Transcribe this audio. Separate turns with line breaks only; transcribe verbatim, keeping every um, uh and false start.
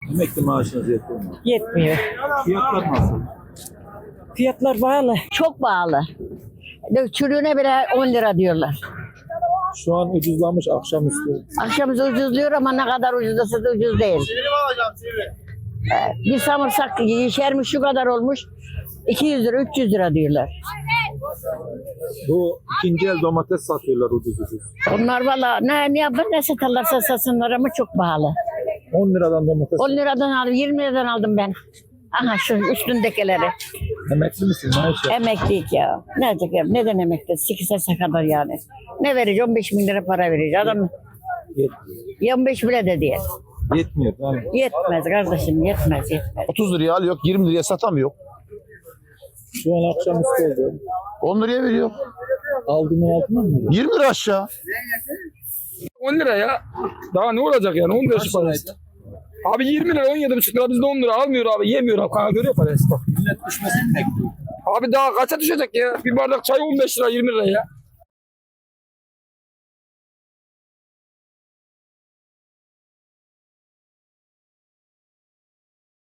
Emekli maaşınız yetiyor mu?
Yetmiyor.
Fiyatlar nasıl?
Fiyatlar bağlı. Çok bağlı. Çürüğüne bile on lira diyorlar.
Şu an ucuzlamış akşamüstü.
Akşamüstü ucuzluyor ama ne kadar ucuzlasa da ucuz değil. Ee, Bir samırsak yeşermiş şu kadar olmuş. iki yüz lira, üç yüz lira diyorlar.
Bu ikinci el domates satıyorlar ucuz ucuz.
Onlar valla ne, ne yapar ne satarlarsa satsınlar ama çok pahalı.
on liradan domates.
on liradan aldım, yirmi liradan aldım ben. Aha şu üstündekileri.
Emekli misin? Maaş yap.
Emeklilik ya. Ne olacak ya? Neden emekli? sekiz yaşa kadar yani. Ne verecek? on beş bin lira para verecek. Adam
Yetmiyor.
on beş bile de değil.
Yetmiyor. Yani.
Yetmez kardeşim, yetmez, yetmez.
otuz liraya alıyor, yirmi liraya satamıyor.
Şu an akşamüstü oldu.
on liraya veriyor.
Aldığının altına mı veriyor?
yirmi lira aşağı.
on lira ya. Daha ne olacak yani? on lira şu parası. Abi yirmi lira, on yedi buçuk lira bizde on lira almıyor abi. Yemiyor abi. Kanka görüyor parası bak.
Millet düşmesini bekliyor.
Abi daha kaça düşecek ya? Bir bardak çay on beş lira, yirmi lira ya.